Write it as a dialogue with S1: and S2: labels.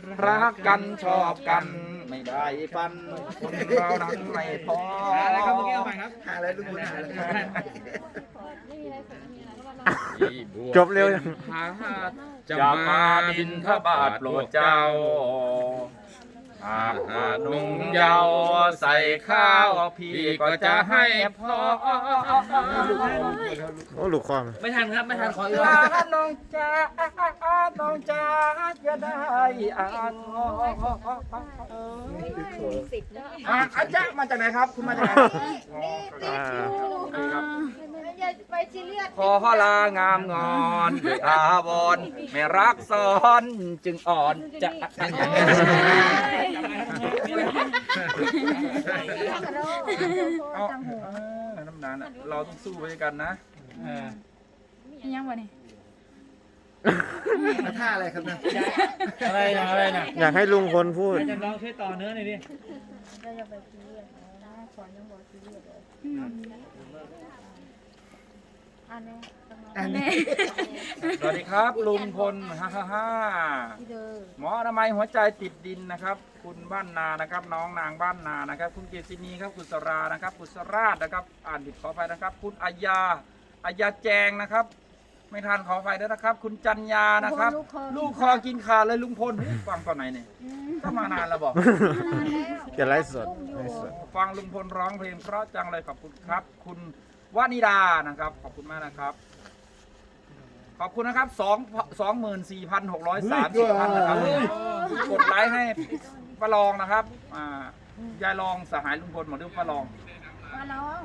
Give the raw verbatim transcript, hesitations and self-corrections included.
S1: รักกันชอบกันไม่ได้ฟันคนเรานั้นไม่พอ
S2: อะไรครับเมื่อกี้เอาใหม่ครับ
S3: หาอะไรลุงพลหาอะไร
S4: จบเร็วยัง
S1: จะมาบินทบาทโปรดเจ้าหากหนุ่มเยาว์ใส่ข้าวพี่ก็จะให้พอ
S4: โอ้ลูกความ
S2: ไม่ทันครับไม่ทันขออีก
S1: ลาน้องจ้าน้องจ้าจะได้อ่านอ่ะอาจารย์มาจากไหนครับคุณมาจากไหน
S4: อ่า
S5: ไปซีเรียส
S1: ขอลางามงอนด้วยอาวรณ์ไม่รักซ้อนจึงอ่อนจะ เอาน้ำนานอ่ะเราต้องสู้ไปด้วยกันนะ
S5: ยังวะนี่
S3: ท่าอะไรครับนะ
S2: อะไรนะอะไรนะ
S4: อยากให้ลุงพลพูด
S2: จะลองช่วยต่อเนื้อหน่อยดิ
S5: เราจะไปซีเรียสนะขอยังบอกซีเรียสเลยอันนี้
S3: อันนี้
S1: สวัสดีครับลุงพลฮ่าฮ่าฮ่า
S5: ที่เดิม
S1: หมออนามัยหัวใจติดดินนะครับ คุณบ้านนานะครับ น้องนางบ้านนานะครับ คุณเกษินีครับคุณสรานะครับคุณสราชนะครับ อ่านผิดขออภัยนะครับ คุณอายาอายาแจงนะครับ ไม่ทันขออภัยด้วยนะครับ คุณจันยานะครับ ลูกคอกินขาดเลยลุงพลฟังตอนไหนเนี่ยก็มานานแล้วบอก
S4: เกี่ยวไลฟ์สดไลฟ์สด
S1: ฟังลุงพลร้องเพลงเพราะจังเลยขอบคุณครับ คุณวานิดานะครับ ขอบคุณมากนะครับ ขอบคุณนะครับสองสองหมื่นสี่พันหกร้อยสามสิบท่านนะครับกดไลค์ให้ป้าลองนะครับอ่ายายลองสหายลุงพลหมอดูป้าลอง
S5: มาน้อง